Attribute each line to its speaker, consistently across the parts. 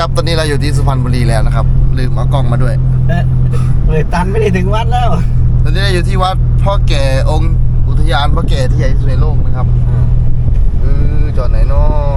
Speaker 1: ครับตอนนี้เราอยู่ที่สุพรรณบุรีแล้วนะครับลืมเอากล้องมาด้วย
Speaker 2: เลยตันไม่ได้ถึงวัดแล้ว
Speaker 1: ตอนนี้เราอยู่ที่วัดพ่อแก่องค์อุทยานพ่อแก่ที่ใหญ่ที่สุดในโลกนะครับจอดไหนเนาะ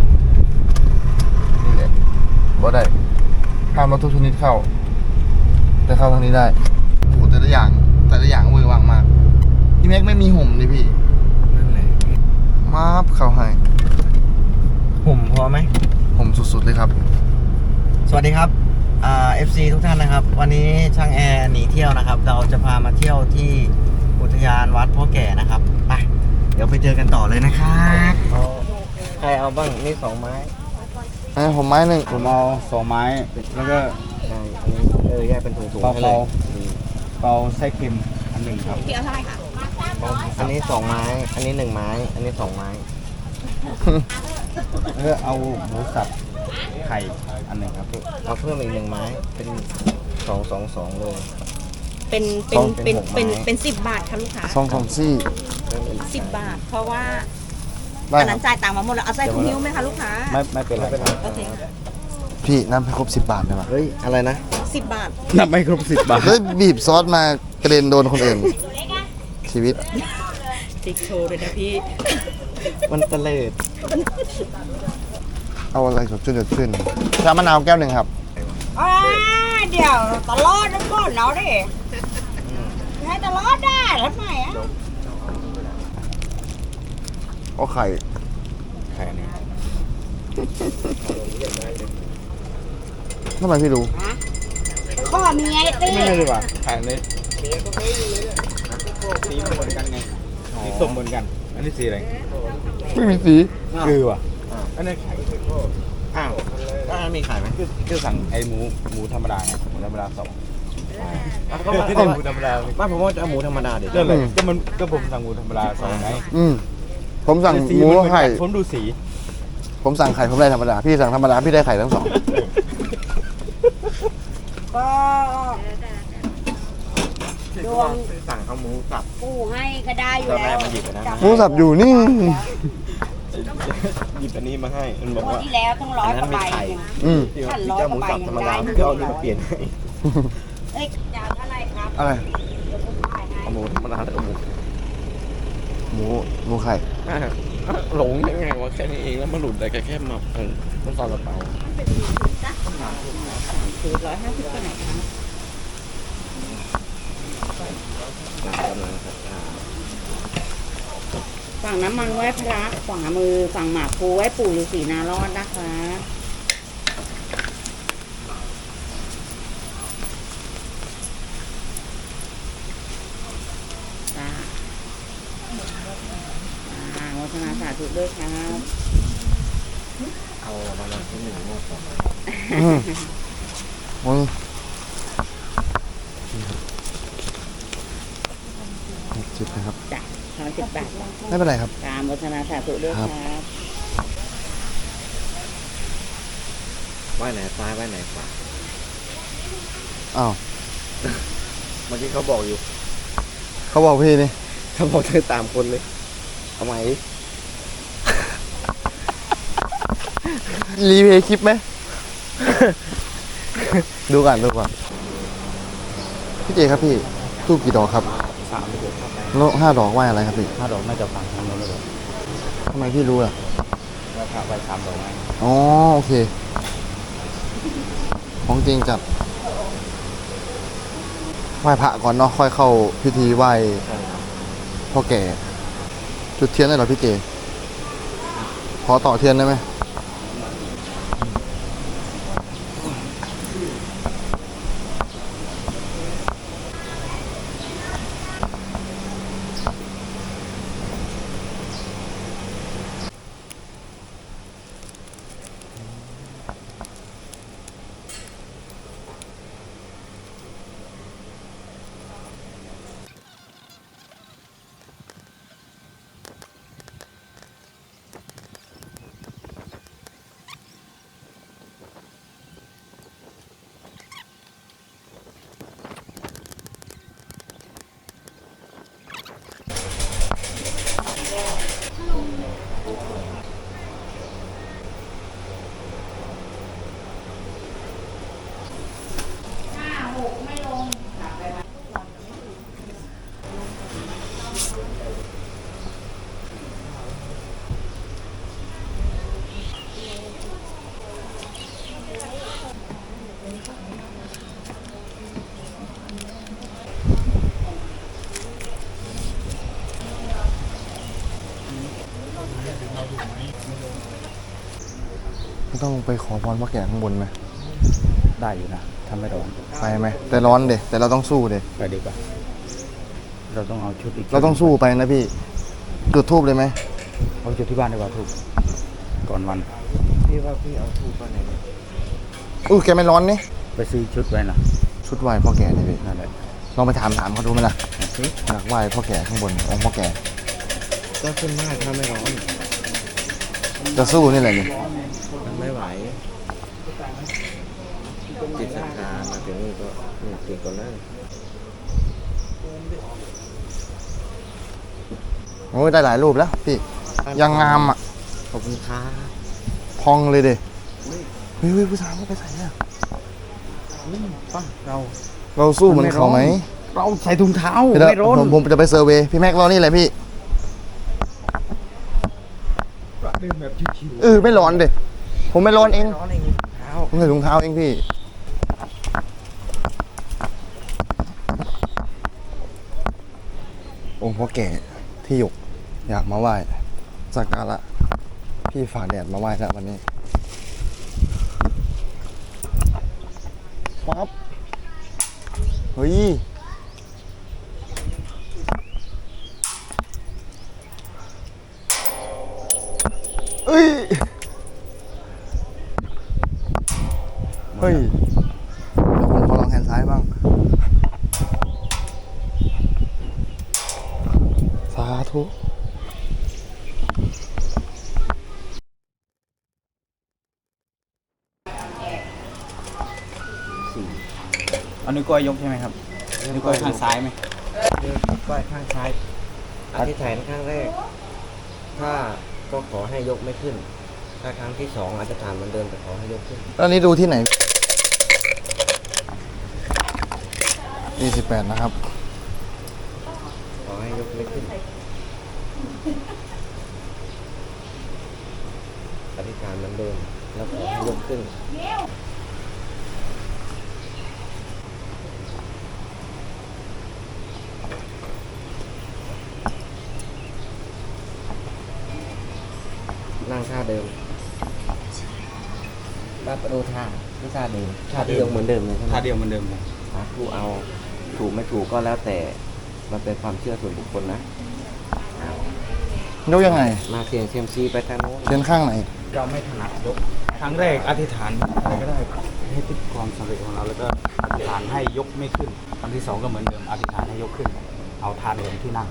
Speaker 1: นี่แหละบ่ได้ห้ามรถทุกชนิดเข้าแต่เข้าทางนี้ได้โอ้แต่ละอย่างเวอร์วังมากพี่แม็กไม่มีห่มเลยพี่
Speaker 2: นั่นแหละ
Speaker 1: มาบเข้าให้
Speaker 2: ห่มพอไหม
Speaker 1: ห่มสุดๆเลยครับ
Speaker 2: สวัสดีครับFC ทุกท่านนะครับวันนี้ช่างแอร์หนีเที่ยวนะครับเราจะพามาเที่ยวที่อุทยานวัดพ่อแก่นะครับไปเดี๋ยวไปเจอกันต่อเลยนะครับใครเอาบ้างนี่2 ไม้
Speaker 1: ผมไม้หนึ่ง
Speaker 3: ผมเอา2 ไม้แล้วก็
Speaker 2: อันนี้แยกเป็นถุงๆให้เลย
Speaker 3: เปาไส้เค็มอัน1ครับ
Speaker 4: พี่เอาเท่าไหร่ค่ะ
Speaker 2: อันนี้2 ไม้อันนี้1 ไม้อันนี้2 ไม้
Speaker 3: แล้วก็เอาหมูสับไข่อัน1ครับ
Speaker 2: เอาเพิ่มอีก1 ไม้เป็น2 เลย
Speaker 4: เป็น10 บาทค่ะลูกค้า
Speaker 1: 2 ซี่
Speaker 4: 10 บาทเพราะว่าอันนั้นจ่ายตังค์มาหมดแล้วเอาใส่ถุงนิ้วไหมคะลูกค้า
Speaker 3: ไม่เป็นไร
Speaker 4: โอเค
Speaker 1: พี่น้ำให้ครบ10 บาทได้ปะ
Speaker 2: เฮ้ยอะไรนะ
Speaker 4: 10 บาท
Speaker 3: นับไม่ครบ10 บาท
Speaker 1: เฮ้ยบีบซอสมากระเด็นโดนคนอื่นชีวิต
Speaker 4: ติ๊กโชว์เลยนะพี่
Speaker 2: มันเตลิด
Speaker 1: เอาอะไรสดชื่นชามะนาวแก้ว 1ครับ
Speaker 4: เดี๋ยวตลอดนะก่อนเนาะดิให้ตลอดได้ทำไมอ่ะ
Speaker 1: เอาไข่
Speaker 3: อันนี้
Speaker 1: ทำไมพี่รู้
Speaker 4: ข้อมีไงตี
Speaker 3: ไม่เลยว่ะไข่อันนี้สีเหมือนกันไงสีส้มเหมือนกันอันนี้สีอะไร
Speaker 1: ไม่มีสี
Speaker 3: คือว่ะอันนี้ไข่
Speaker 2: อ้าวมีไข่ไหม
Speaker 3: คือสั่งไอหมูธรรมดาไงหมูธรรมดา2หมูธรรมดา
Speaker 2: ไม่ผมว่าจะเอาหมูธรรมดาเดี๋ยว
Speaker 3: เลยก็ผมสั่งหมูธรรมดา2ไง
Speaker 1: ผมสั่งหมูไข่
Speaker 3: ผมดูสี
Speaker 1: ผมสั่งไข่ผมได้ธรรมดาพี่สั่งธรรมดาพี่ได้ไข่ทั้ง2
Speaker 4: ก็ดวง
Speaker 2: สั่งเอาหมูสับ
Speaker 4: กูให้ก็ได้อยู่แล้ว
Speaker 1: หมูสับอยู่นี่
Speaker 2: หยิบอันนี้มาให้มันบอกว่า
Speaker 4: ที่แล้วต้อง100 กว่าใบ
Speaker 2: ท่าน100 กว่าใบธรรมดาก็เอานี่มาเปลี่ยนให้
Speaker 4: เอ้ยจะเอาอะไรครับ
Speaker 1: อะไร
Speaker 2: เอาหมูธรรมดาแล้วก็
Speaker 1: หมูไข่
Speaker 2: หลงยังไงวะแค่นี้เองแล้วมันหลุดได้แค่มามันซาลาเปา
Speaker 4: คือ150ก็ไหนคะฝั่งน้ำมันไหว้พระขวามือฝั่งหมากภูไหว้ปู่ฤาษีนารอดนะคะวัฒนาสาธุด้วยครับ
Speaker 2: เอามาลองที่1งวดต่อมา
Speaker 1: 60นะครับ
Speaker 4: จ้ะ10 บาท
Speaker 1: ไม่เป็นไรครับ
Speaker 4: ตามวัฒนาสาธุด้วยครับ
Speaker 2: ไหว้ไหนซ้ายไหว้ไหนขวา
Speaker 1: อ้าว
Speaker 2: เมื่อกี้เขาบอกอยู่
Speaker 1: เขาบอกพี่นี่
Speaker 2: เขาบอกเธอตามคนเลยทำไม
Speaker 1: รีเพย์คลิปไหม ดูก่อนพี่เจครับพี่ทูบกี่ดอกครับ
Speaker 3: 3 ดอก
Speaker 1: แล้ว5 ดอกไหว้อะไรครับพี่
Speaker 3: 5 ดอกน่าจะฟังทางโน้นเลย
Speaker 1: ทำไมพี่รู้ล่ะ
Speaker 3: ว่าพระไหว้3 ดอกไง
Speaker 1: อ๋อโอเคของจริงจัดไหว้พระก่อนเนาะค่อยเข้าพิธีไหว้พ่อแก่จุดเทียนได้เหรอพี่เจขอต่อเทียนได้ไหมไม่ต้องไปขอพรพ่อแก่ข้างบนไหม
Speaker 3: ได้อยู่นะทำไม่ร้อน
Speaker 1: ไปไหมแต่ร้อนเด็แต่เราต้องสู้เด็
Speaker 3: ไปดีกว่าเราต้องเอาชุดอีก
Speaker 1: เราต้องสู้ไปนะพี่จุดทูบเลยไหม
Speaker 3: เอาชุดที่บ้านดีกว่าถูกก่อนวัน
Speaker 2: พี่ว่าพี่เอาทูบไปไหนเนี่ย
Speaker 1: แกไม่ร้อนนี่
Speaker 3: ไปซื้อชุดไว้นะ
Speaker 1: ชุดไหว้พ่อแก่นี่พี่
Speaker 3: นั่นแหละ
Speaker 1: ลองไปถามเขาดูไหมล่ะอยากไหว้พ่อแก่ข้างบนองค์พ่อแก่
Speaker 2: ก็ขึ้นมากถ้าไม่ร้อน
Speaker 1: จะสู้นี่แหละนี่
Speaker 2: มันไม่ไหวจิตศรัทธามาถึงนี่ก็เก่งกว่านั้น
Speaker 1: โอ้ยได้หลายรูปแล้วพี่ยังงามอ่ะ
Speaker 2: ขอบคุณครับ
Speaker 1: พองเลยเด็เฮ้ยผู้ชายไปใส่เนี่ย
Speaker 3: ป่ะเรา
Speaker 1: เราสู้เหมือนเขาไหม
Speaker 3: เราใส่ถุงเท้า
Speaker 1: เดี๋ยว
Speaker 3: ไม่ร้อน
Speaker 1: ผมจะไปเซอร์เวย์พี่แม็กรอนี่แหละพี่
Speaker 3: เดินแบบชิว
Speaker 1: ไม่ร้อนเด็ผมไม่ร้อนเอง
Speaker 2: ร้อนเองถุงเท้า
Speaker 1: ผมใส่ถุงเท้าเองพี่องค์พ่อแก่ที่หยกอยากมาไหว้สักการะพี่ฝ่าแดดมาไหว้แล้ววันนี้ปั๊บเฮ้ยเฮ้ยเฮ้ยเดี๋ยวผมขอลองแฮนด์ซ้ายบ้างสาธุ
Speaker 3: เอานิ้วก้อยยกใช่ไหมครับนิ้วก้อยข้างซ้ายไหม
Speaker 2: ก็ข้างซ้ายอธิษฐานข้างแรก ถ้าก็ขอให้ยกไม่ขึ้น ถ้าครั้งที่สองอธิษฐานเหมือนเดิมแต่ขอให้ยกขึ้น
Speaker 1: ตอนนี้ดูที่ไหน28นะครับ
Speaker 2: ขอให้ยกไม่ขึ้นอธิษฐานเหมือนเดิมแล้วขอให้ยกขึ้นนั่งท่าเดิมป้าประตูท่าที่ท่าเดิมท่าเดียวเหมือนเดิมเลยใช่ไหม
Speaker 3: ท่าเดียวเหมือนเดิมเลย
Speaker 2: สาธุเอาถูกไม่ถูกก็แล้วแต่มันเป็นความเชื่อส่วนบุคคลนะ
Speaker 1: ยกยังไง
Speaker 2: มาเสี่ยงเซียมซีไปทางโน้น
Speaker 1: เทียนข้างไหน
Speaker 3: เราไม่ถนัดยกครั้งแรกอธิษฐานอะไรก็ได้ให้ติดความสำเร็จของเราแล้วก็อธิษฐานให้ยกไม่ขึ้นครั้งที่สองก็เหมือนเดิมอธิษฐานให้ยกขึ้น เอาทานเดิมที่นั่ง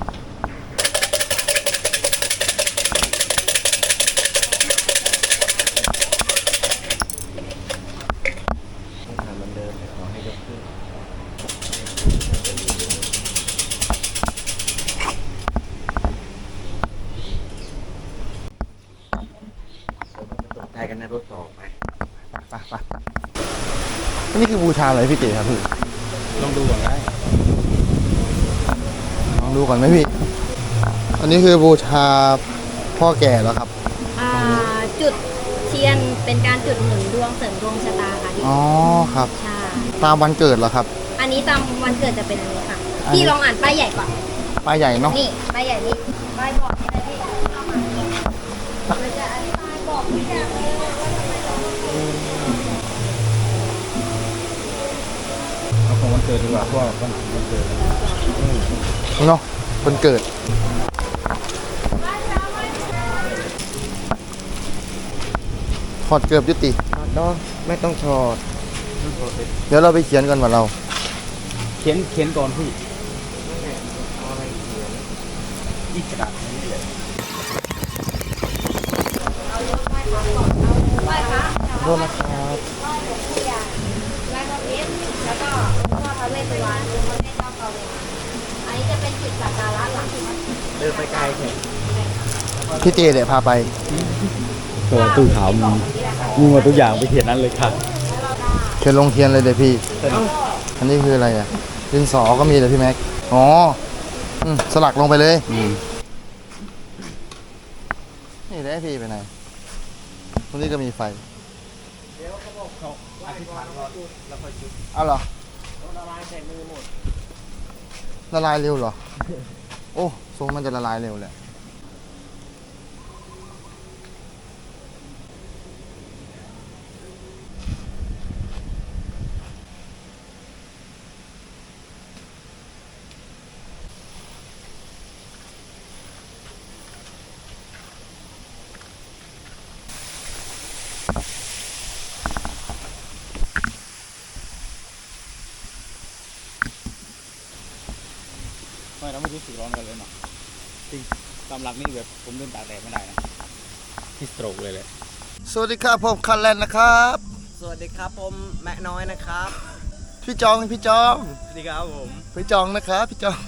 Speaker 2: ทำเหมือนเดิมแต่ขอให้ยกขึ้นตกใจกันในรถต่อไป
Speaker 1: นี่คือบูชาอะไรพี่เก๋ครับพี่
Speaker 3: ลองดูก่อนได้
Speaker 1: ลองดูก่อนไหมพี่ อันนี้คือบูชาพ่อแก่แล้วครับ
Speaker 5: จุดเทียนเป็นการจุดหนุนดวงเสริมดวงชะตาค่ะพี่
Speaker 1: อ๋อครับ
Speaker 5: ใช่
Speaker 1: ตามวันเกิดเหรอครับ
Speaker 5: อันนี้ตามวันเกิดจะเป็นอันนี้ค่ะ
Speaker 1: อันนี้
Speaker 5: พี่ลองอ่านป้ายใหญ่ก่อน
Speaker 1: ป้ายใหญ่เนาะ
Speaker 5: นี่ป้ายใหญ่นี่ป้ายบอกนี่นะพี่มันจะอธิบายบอกทุกอย่างเลยว่าทำไมเราต้อง
Speaker 3: เอาของวันเกิดดีกว่าเพราะว่าวันเกิด
Speaker 1: เนาะวันเกิด ถอดเกือบยุติ
Speaker 2: เนาะไม่ต้องชอด
Speaker 1: เดี๋ยวเราไปเขียนกันว่าเรา
Speaker 3: เขียนก่อนพี่อีกกระดาษนี้เลย
Speaker 5: ไหว้พระ
Speaker 1: โทษนะครับ
Speaker 5: ไหว้หลวงปู่ใหญ่ไหว้พระเพชรแล้วก็หลวงพ่อพระเวสสุวรรณหลวงพ่อแม่เจ้าเก่าเลยอันนี้จะเป็นจุดสักการะหลัก
Speaker 2: เดินไปไกลเถอะ
Speaker 1: พี่เจเดี๋ยวพาไป
Speaker 3: ตัวตู้ขาวมีหมดทุกอย่างไปเขียนนั้นเลยค่ะ
Speaker 1: เขียนลงเทียนเลยเดี๋ยวพี่ อันนี้คืออะไรอ่ะดินสอก็มีเลยพี่แม็ก อ๋อสลักลงไปเลย นี่ได้พี่ไปไหน ตรงนี้ก็มีไฟ เอาเหรอ
Speaker 2: ละลายใส่มือหมด
Speaker 1: ละลายเร็วเหรอ โอ้ทรงมันจะละลายเร็วแหละ
Speaker 2: อ
Speaker 3: ไม่เราไม่รู้สึกร้อนกันเลยเนาะจริงตามหลักนี่แบบผมเดินตากแดดไม่ได้นะที่สโตรกเลยแหละ
Speaker 1: สวัสดีครับผมคันแลนด์นะครับ
Speaker 2: สวัสดีครับผมแม่น้อยนะครับ
Speaker 1: พี่จองพี่จอง
Speaker 2: สวัสดีครับผม
Speaker 1: พี่จองนะครับพี่จอง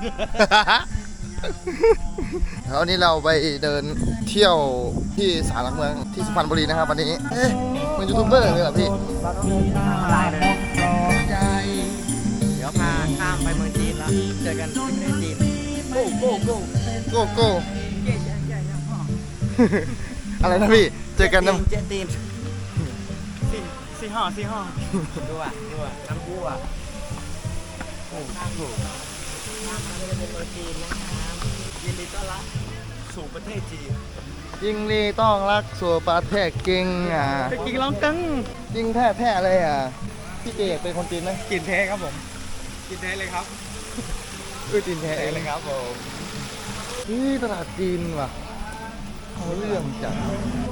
Speaker 1: แล้ววันนี้เราไปเดินเที่ยวที่ศาลหลักเมืองที่สุพรรณบุรีนะครับวันนี้เอ๊ะเป็นยูทูบเบอร์เลยเหรอพี่
Speaker 2: อะไรเลยเดี๋ยวพาข้ามไปเมืองจีนแล้วเจอกันที่ประเทศจีนโก้โก้โก้
Speaker 1: โก้โก้ อะไรนะพี่เจอกันนะ
Speaker 2: เจตีน
Speaker 3: สี่ห้อ
Speaker 2: ดูอ่ะน้ำกู้อ่ะโอ้โหข้ามมาเป็นเมืองจีนนะครับยินดีต้อนรับสู่ประเทศจีน
Speaker 1: ยิงลีต้องรักสัวปาแท้เก่งอ่ะ
Speaker 3: ไปกินร้องกัง
Speaker 1: ยิงแท้เลยอ่ะพี่เจเป็นคนจีนไหม
Speaker 3: กินแท้ครับผมกินแท้เลยครับ
Speaker 1: จีนแท้เลยครับผมนี่ตลาดจีนว่ะเอาเรื่องจัง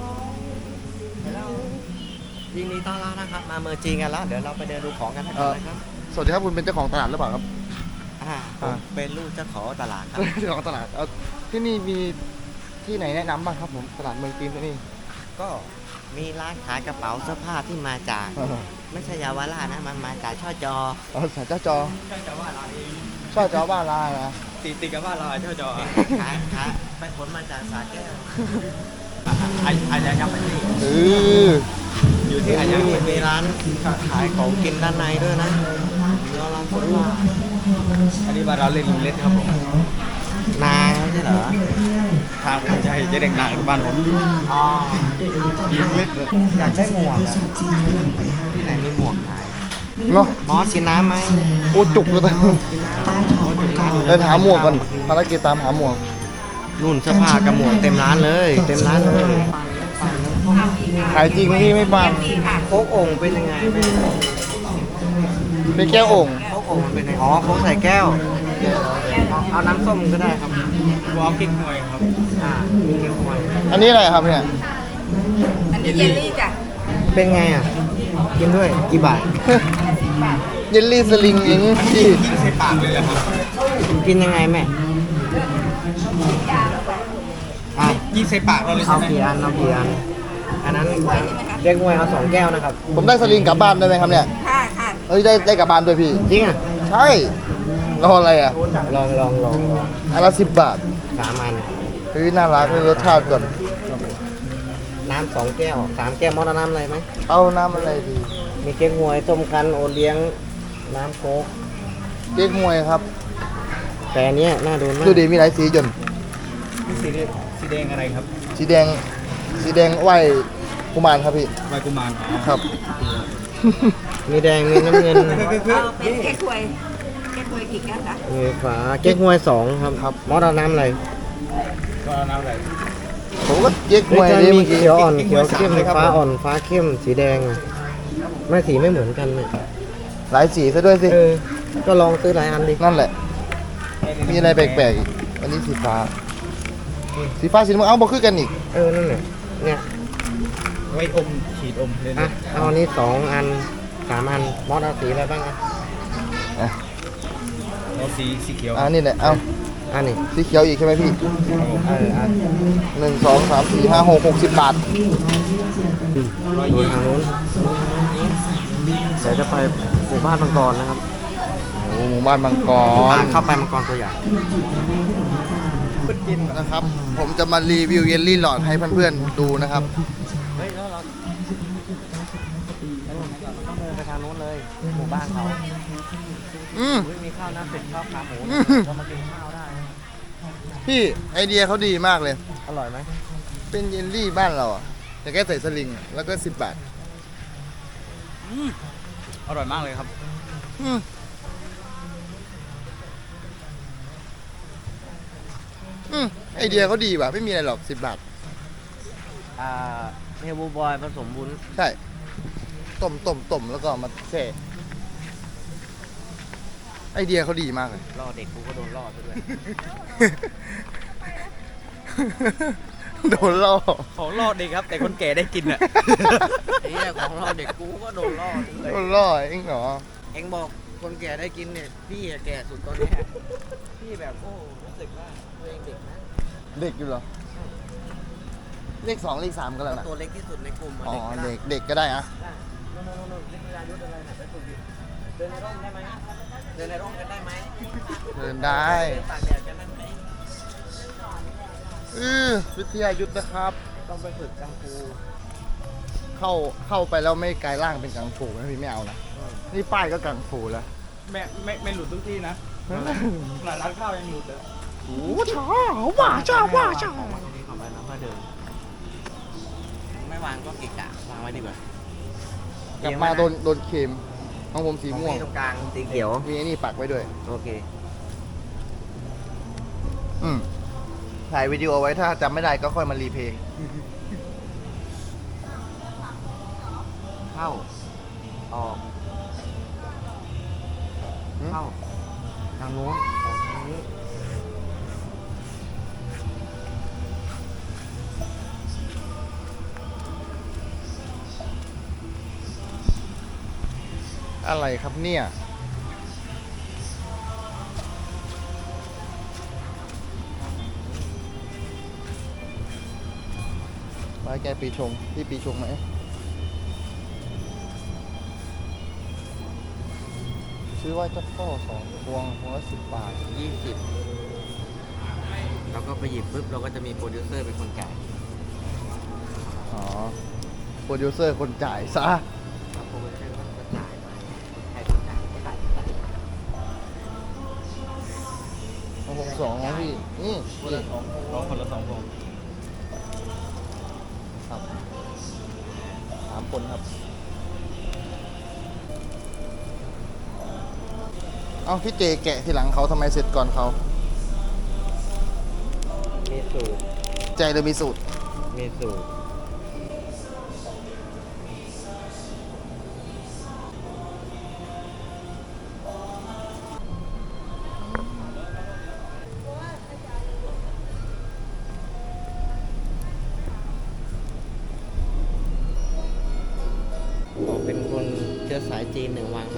Speaker 2: ยินดีต้อนรับนะครับมาเมืองจีนกันแล้วเดี๋ยวเราไปเดินดูของกันนะครับ
Speaker 1: สวัสดีครับคุณเป็นเจ้าของตลาดหรือเปล่าครับ
Speaker 2: ผมเป็นลูกเจ้าของตลาดครับ
Speaker 1: เจ้าของตลาดเอาที่นี่มีที่ไหนแนะนำบ้างครับผมตลาดเมืองจีนที่นี่
Speaker 2: ก็มีร้านขายกระเป๋าเสื้อผ้าที่มาจาก ไม่ใช่ยาวราชนะมันมาจากช่อจอ
Speaker 1: เอาสายเจ้าจอ
Speaker 3: แต่ว่าเราเอง
Speaker 1: ช่อจอบ้านลานะ
Speaker 3: ตีกับว่าเราเจ้าจอ
Speaker 2: ขายไปขนมาจากสาแก้ว
Speaker 3: อาญายับไปที่
Speaker 1: อยู่
Speaker 3: ที่อาญา
Speaker 2: มีร้านขายของกินด้านในด้วยนะเราลองพูดว่า
Speaker 3: อันนี้บ้านเราเล่นลุงเล็ดครับผม
Speaker 2: นาไม่ใช่เหรอ
Speaker 3: ทางผมจะให้เจ๊เด็กนางบ้านผม
Speaker 2: อ๋อ
Speaker 3: ลุงเล็ด
Speaker 2: อยากได้หมวกอะที่ไหนมีหมวกขาย
Speaker 1: เนาะ
Speaker 2: มอสกินน้ำไหม
Speaker 1: โอ้จุกเลยเดินหาหมวกก่อนภารกิจตามหาหมวก
Speaker 2: นู่นเสื้อผ้ากับหมวกเต็มร้านเลยเต็มร้านเลย
Speaker 1: ขายจริงพี่ไม่บัง
Speaker 2: โค้กโอ่งเป็นยังไงแม่
Speaker 1: เป็นแก้วโอ่ง
Speaker 2: โค้กโอ่งมันเป็นยังไงอ๋อโค้กใส่แก้ว เอาน้ำส้มก็ได้ครับ
Speaker 3: วอลกิ้งหน่วยครับ
Speaker 2: มีเกี๊ยวหอย
Speaker 1: อันนี้อะไรครับเนี่ย
Speaker 4: อันนี้เยลลี่จ้ะ
Speaker 2: เป็นไงอ่ะ กินด้วย กี่บาท
Speaker 1: เยลลี่สลิงเองพี่
Speaker 3: ใช้ปากเลยแหละครับ
Speaker 2: กินยังไงแม่อ่ะ
Speaker 3: ยิ่งใช้ปากเราเลย
Speaker 2: เอากี่อันเอากี่อัน อันนั้นเรียกงวยเอา2 แก้วนะครับ
Speaker 1: ผมได้สลิงกลับบ้านได้ไหมครับเนี่ย
Speaker 4: ค่ะค่ะ
Speaker 1: เฮ้ยได้กลับบ้านด้วยพี่
Speaker 2: จริงอ่ะ
Speaker 1: ใช่รออะไรอ่ะ
Speaker 2: ลอง
Speaker 1: อันละ10 บาท
Speaker 2: 3 อัน
Speaker 1: เฮ้ยน่ารักเลยรสชาติก่อน
Speaker 2: น้ำ2 แก้ว 3 แก้วมอสน้ำอะไรไหม
Speaker 1: เอาน้ำอะไรดี
Speaker 2: มีเก๊กฮวยต้มคั้นโอเลี้ยง น้ำโค้ก
Speaker 1: เก๊กฮวยครับ
Speaker 2: แต่อันเนี้ยน่าดูมาก
Speaker 1: ดูดีมีหลายสีจน
Speaker 3: นี่สีแดงอะไรครับ
Speaker 1: สีแดงไหวกุมารครับพี่
Speaker 3: ใบกุมาร
Speaker 1: ครับ
Speaker 2: มีแดง มีน้ำเงิน
Speaker 4: เอาเป็นแก้ควยกี่แก้วคะ
Speaker 2: มีฝาเก๊กฮวย2ครับมอสน้ำอะไร
Speaker 3: ก็น้ำอะไร
Speaker 1: ผมก็เก๊กฮ
Speaker 2: เฮ้
Speaker 1: วย ย
Speaker 2: จะ
Speaker 1: นี่
Speaker 2: มี
Speaker 1: เมื่อกี้
Speaker 2: เขียวอ่อน
Speaker 3: เก๊ก
Speaker 2: เขี
Speaker 3: ฮ
Speaker 2: ยว วย
Speaker 3: 3
Speaker 2: เข้ม
Speaker 3: เลยครับ
Speaker 2: ฟ้าอ่อนฟ้าเข้มสีแดงอะไม่สีไม่เหมือนกันเนี่ย
Speaker 1: หลายสีซะด้วยสิ
Speaker 2: ก็ลองซื้อหลายอันดิ
Speaker 1: นั่นแหละ มีอะไรแปลกๆอีกอันนี้สีฟ้า สีฟ้าสีน้ำเงินเอาบอกคือกันอีก
Speaker 2: นั่นแหละเนี่ย
Speaker 3: ไว้อมฉีดอมเลย
Speaker 2: อ่ะ
Speaker 3: นะ
Speaker 2: เอาอันนี้2 อัน 3 อันมอสเอาสีอะไรบ้างอ่ะ
Speaker 3: แล้วสีเขียว
Speaker 1: นี่แหละ เอา
Speaker 2: อันนี้
Speaker 1: สีเขียวอีกใช่ไหมพี่
Speaker 2: อัน
Speaker 1: 1 2 3 4 5 6 60 บาท
Speaker 2: ดูทางนู้นเดี๋ยวจะไปหมู่บ้านมังกรนะครับ
Speaker 1: โอ้หมู่บ้านมังกร
Speaker 2: เข้าไปมังกรตัวใหญ่
Speaker 1: นะครับ ผมจะมารีวิวเยลลี่หลอดให้เพื่อนๆดูนะครับ
Speaker 2: เฮ้ยแล้วเราต้องเดินไปทางนู้นเลย หมู่บ้านเขา
Speaker 1: อืม
Speaker 2: มีข้าวหน้าเป็ดข้าวขาหมูก็มากินข้าวได้
Speaker 1: พี่ไอเดียเขาดีมากเลย
Speaker 2: อร่อยไหม
Speaker 1: เป็นเยลลี่บ้านเราอะแต่แค่ใส่สลิงแล้วก็10 บาท
Speaker 3: อร่อยมากเลยครับ
Speaker 1: อืมไอเดียเขาดีว่ะไม่มีอะไรหรอก10 บาท
Speaker 2: เฮลบูบอยผสมวุ้น
Speaker 1: ใช่ ต้มแล้วก็เอามาแช่ไอเดียเขาดีมากเลย
Speaker 2: ล่อเด็กกูก็โดนล่อไปด้วย
Speaker 1: โดนล่อ
Speaker 3: ของล่อเด็กครับ แต่คนแก่ได้กินอ่ะ
Speaker 2: ไอ้เนี่ยของเราเด็กกูก็โดนล่อเลย
Speaker 1: โดนล่อเองเหรอ
Speaker 2: เอ็งบอกคนแก่ได้กินเนี่ยพี่อะแก่สุดตอนเนี้ยพี่แบบโอ้รู้สึกว่าตัวเองเด็กนะ
Speaker 1: เด็กอยู่เหรอ เลข 2 เลข 3 ก็แล้วนะ
Speaker 2: ตัวเล็กที่สุดในกลุ่มอะ
Speaker 1: อ๋อ
Speaker 2: เด็ก
Speaker 1: เด็กก็ได้อะ
Speaker 2: โน่นวิทยายุทธอะไรนะไปฝึกดิเดินในร่มได้ไหมเดินในร่มกันได้ไหม
Speaker 1: เดินได้
Speaker 2: เดินตากแดดกันได้ไหม
Speaker 1: วิทยายุทธนะครับ
Speaker 2: ต้องไปฝึกกังฟู
Speaker 1: เข้าไปแล้วไม่กลายร่างเป็นกังฟูนะพี่ไม่เอานะ นี่ป้ายก็กังฟูแล้ว
Speaker 3: ไม่หลุดทุกที่นะขนาดร้านข้าวยังหลุดเลย
Speaker 1: โอ้ช้าว่าช้าว่าช้า
Speaker 2: ของวันนี้ของไปแล้วก็เดิน ไม่วางก็เกะกะวางไว้ดีกว่าก
Speaker 1: ลับมาโดนเค็มของผมสีม่วง
Speaker 2: ของพี่ตรงกลางสีเขียว
Speaker 1: มีไอ้นี่ปักไว้ด้วย
Speaker 2: โอเค
Speaker 1: ถ่ายวิดีโอไว้ถ้าจำไม่ได้ก็ค่อยมารีเพย์
Speaker 2: เข้า ออก เข้า ทางโน้นออกทางนี้
Speaker 1: อะไรครับเนี่ยไว้แกปีชงพี่ปีชงไหมซื้อไว้จักก็2 พวงละ10 บาท
Speaker 2: 20เราก็ไปหยิบปุ๊บเราก็จะมีโปรดิวเซอร์เป็นคนจ่าย
Speaker 1: อ๋อ โปรดิวเซอร์คนจ่ายซะ
Speaker 2: แล้วโปรดิวเซอร์ก็จะจ่ายไปใครต้องจ่ายก็จ่ายไป
Speaker 1: ของผม2ของพี่ นี่นี่
Speaker 3: คนละ2 พวง
Speaker 1: ครับ3 คนครับ เอ้าพี่เจแกะทีหลังเขาทำไมเสร็จก่อนเขา
Speaker 2: มีสูตร
Speaker 1: ใจเลยมีสูตร
Speaker 2: มีสูตร บอกเป็นคนเชื้อสายจีน1 วันนะ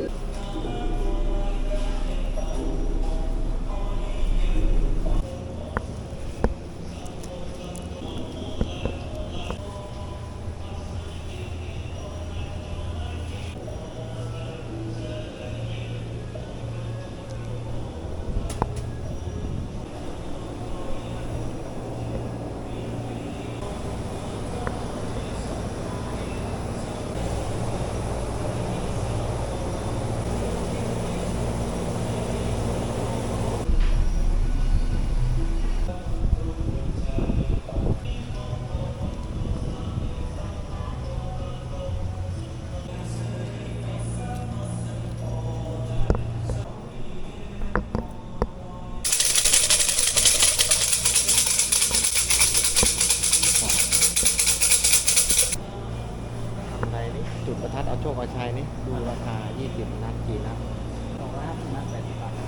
Speaker 2: ทำอะไรนี่จุดประทัดเอาโชคเอาชัยนี่ดูราคา 20 นัดกี่นัด
Speaker 3: 250 นัด 80 บาท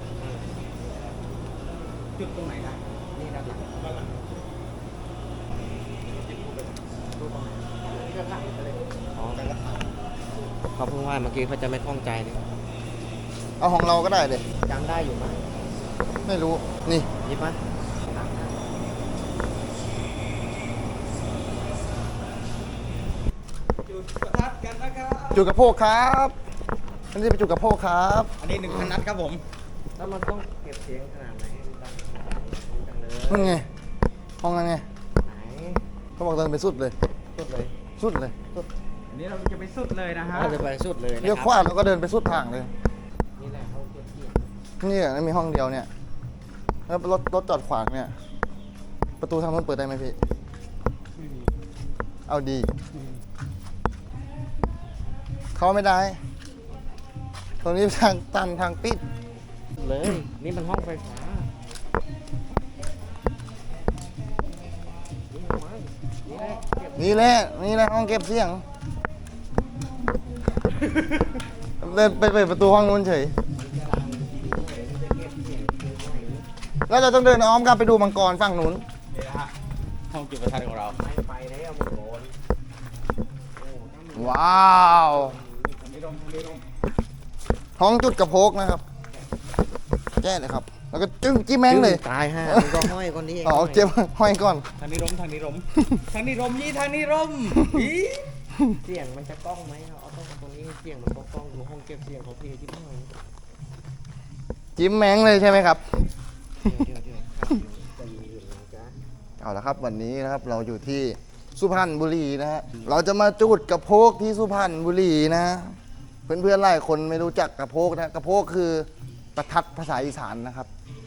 Speaker 3: จุดตรงไหนนะนี่ด้านหลังนี่ก็หลังไปเลย
Speaker 2: อ๋อเขาเพิ่งว่าเมื่อกี้เขาจะไม่คล่องใจเลย
Speaker 1: เอาของเราก็ได้เลย
Speaker 2: จำได้อยู่ไหม
Speaker 1: ไม่รู้ นี่
Speaker 2: หยิบไหม
Speaker 3: จุดประทัดกันนะครับ
Speaker 1: จุดกระโพกครับอันนี้เป็นจุดกระโพกครับ
Speaker 3: อันนี้ 1,000 นัดครับผม
Speaker 2: แล้วมันต้องเก็บเสียงขนาดไหนให้มันดังขนาดไหนจังเลย
Speaker 1: นั่นไง ห้องนั้นไง
Speaker 2: ไหน
Speaker 1: เขาบอกเดินไปสุดเลย
Speaker 2: สุดเลย
Speaker 1: สุดเลย
Speaker 3: อันนี้เราจะไปสุดเลยนะฮะ
Speaker 2: เราจะไปสุดเลยนะ
Speaker 1: เลี้ยว
Speaker 2: ค
Speaker 1: ข
Speaker 2: รับ
Speaker 1: วาแล้วก็เดินไปสุดทางเลย
Speaker 2: นี่แหละเขาเก็บเสียง
Speaker 1: นี่อ่ะมีห้องเดียวเนี่ย แล้วรถจอดขวางเนี่ย ประตูทางนู้นเปิดได้ไหมพี่ เอาดี เขาไม่ได้ ตรงนี้ทางตันทางปิด
Speaker 2: เลย นี่มันห้องไฟฟ้า
Speaker 1: นี่แหละนี่แหละห้องเก็บเสียง เดินไปเปิดประตูห้องนู้นเฉย แล้วเราต้องเดินอ้อมกลับไปดูมังกรฝั่งนู้น
Speaker 3: นี่นะฮะห้องจุดประทัดของเรา
Speaker 2: ไม่ไปแล้วมึงโดน
Speaker 1: ว้าวท้องจุดกระโพกนะครับแก้เลยครับ แล้วก็จึ้งจิ้มแมงเลย
Speaker 2: ตายฮะมึงก็ห้อยคนนี้เอง
Speaker 1: อ๋อเจ็บห้อยก่อน
Speaker 3: ทางนี้ร่มทางนี้ร่มทางนี้ร่มยี่ทางนี้ร่มอี
Speaker 2: เสียงมันจะกล้องไหมเอาต้องตรงนี้เสียงมันก็กล้องอยู่ห้องเก็บเสียงเขาเพลที่ห้อง
Speaker 1: จิ้มแมงเลยใช่ไหมครับ
Speaker 2: เดี๋ยวจะมีอื่นนะจ๊ะ
Speaker 1: เอาละครับวันนี้นะครับเราอยู่ที่สุพรรณบุรีนะฮะเราจะมาจุดกระโพกที่สุพรรณบุรีนะ เพื่อนๆหลายคนไม่รู้จักกระโพกนะกระโพกคือประทัดภาษาอีสานนะครับ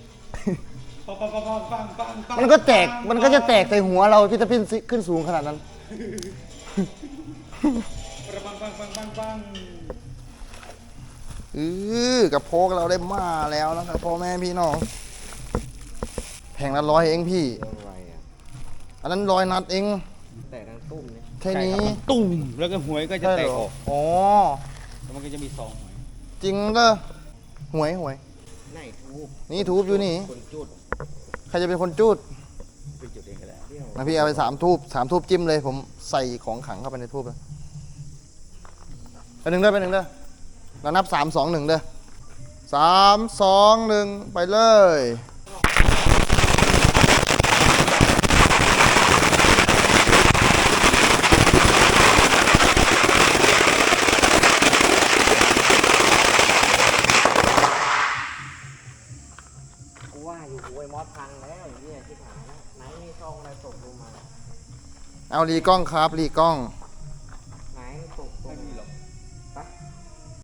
Speaker 1: มันก็จะแตกใส่หัวเราที่จะขึ้นสูงขนาดนั้น กระโพกเราได้มาแล้วนะครับพ่อแม่พี่น้องแพงละ100เองพี่
Speaker 2: เรื่องอะไรอ่ะ
Speaker 1: อันนั้น100 นัดเอง
Speaker 2: แต่ทั้งตุ้มเนี่ย
Speaker 1: แค่นี้
Speaker 3: ตุ่มแล้วก็หวยก็จะแตกออก
Speaker 1: อ๋อ
Speaker 3: แล้วมันก็จะมีซองหวย
Speaker 1: จริงเด้อหวย
Speaker 2: ไหนทูบ
Speaker 1: นี่ทูบอยู่นี่
Speaker 2: คนจุด
Speaker 1: ใครจะเป็นคนจุด
Speaker 3: ไปจุดเองก็ได้
Speaker 2: เดี่ยว
Speaker 1: นะพี่เอาไป3 ทูบจิ้มเลย ผมใส่ของขังเข้าไปในทูบเลยไปหนึ่งเด้อเรานับ3 2 1เด้อ3 2 1ไปเลย
Speaker 2: กูว่าอยู่กูไอ้มอสพังแล้วไอ้เนี่ยที่ถามนะไหนมีซองอะไรตกลงมา
Speaker 1: เอารีกล้องครับรีกล้อง
Speaker 2: เ